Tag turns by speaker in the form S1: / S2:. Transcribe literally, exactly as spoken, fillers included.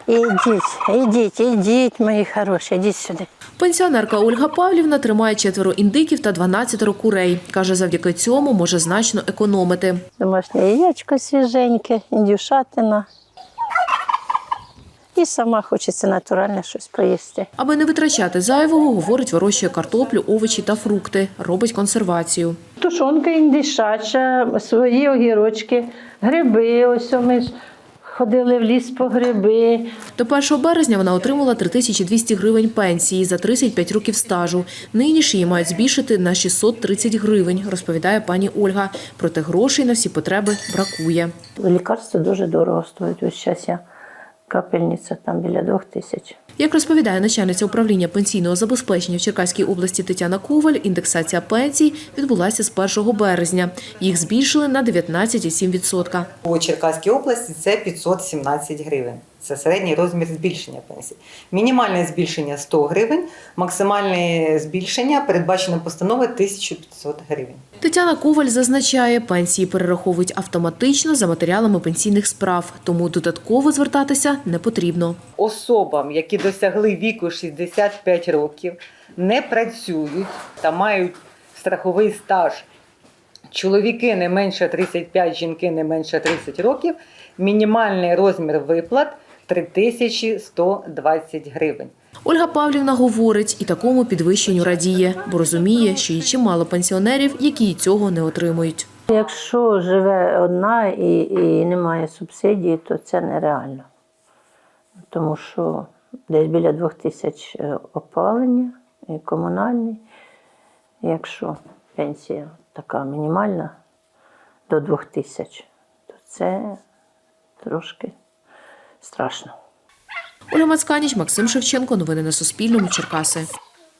S1: Ідіть, ідіть, ідіть, мої хороші, ідіть сюди.
S2: Пенсіонерка Ольга Павлівна тримає четверо індиків та дванадцятеро курей. Каже, завдяки цьому може значно економити.
S1: Домашнє яєчко свіженьке, індюшатина. І сама хочеться натуральне щось поїсти.
S2: Аби не витрачати зайвого, говорить, вирощує картоплю, овочі та фрукти. Робить консервацію.
S1: Тушонка індишача, свої огірочки, гриби. Ось ми ж ходили в ліс по гриби.
S2: До першого березня вона отримала три тисячі двісті гривень пенсії за тридцять п'ять років стажу. Нині ж її мають збільшити на шістсот тридцять гривень, розповідає пані Ольга. Проте грошей на всі потреби бракує.
S1: Лікарства дуже дорого стоять. Ось зараз я капельниця там біля двох тисяч.
S2: Як розповідає начальниця управління пенсійного забезпечення в Черкаській області Тетяна Коваль, індексація пенсій відбулася з першого березня. Їх збільшили на дев'ятнадцять цілих сім десятих відсотка.
S3: У Черкаській області це п'ятсот сімнадцять гривень. Це середній розмір збільшення пенсії. Мінімальне збільшення – сто гривень, максимальне збільшення передбачено постановою тисяча п'ятсот гривень.
S2: Тетяна Коваль зазначає, пенсії перераховують автоматично за матеріалами пенсійних справ, тому додатково звертатися не потрібно.
S3: Особам, які досягли віку шістдесят п'ять років, не працюють та мають страховий стаж, чоловіки не менше тридцять п'ять, жінки не менше тридцять років, мінімальний розмір виплат – три тисячі сто двадцять гривень.
S2: Ольга Павлівна говорить, і такому підвищенню радіє, бо розуміє, що є чимало пенсіонерів, які й цього не отримують.
S1: Якщо живе одна і, і немає субсидії, то це нереально. Тому що десь біля двох тисяч опалення і комунальний. Якщо пенсія така мінімальна до двох тисяч, то це трошки страшно.
S2: Ольга Мацканіч, Максим Шевченко. Новини на Суспільному. Черкаси.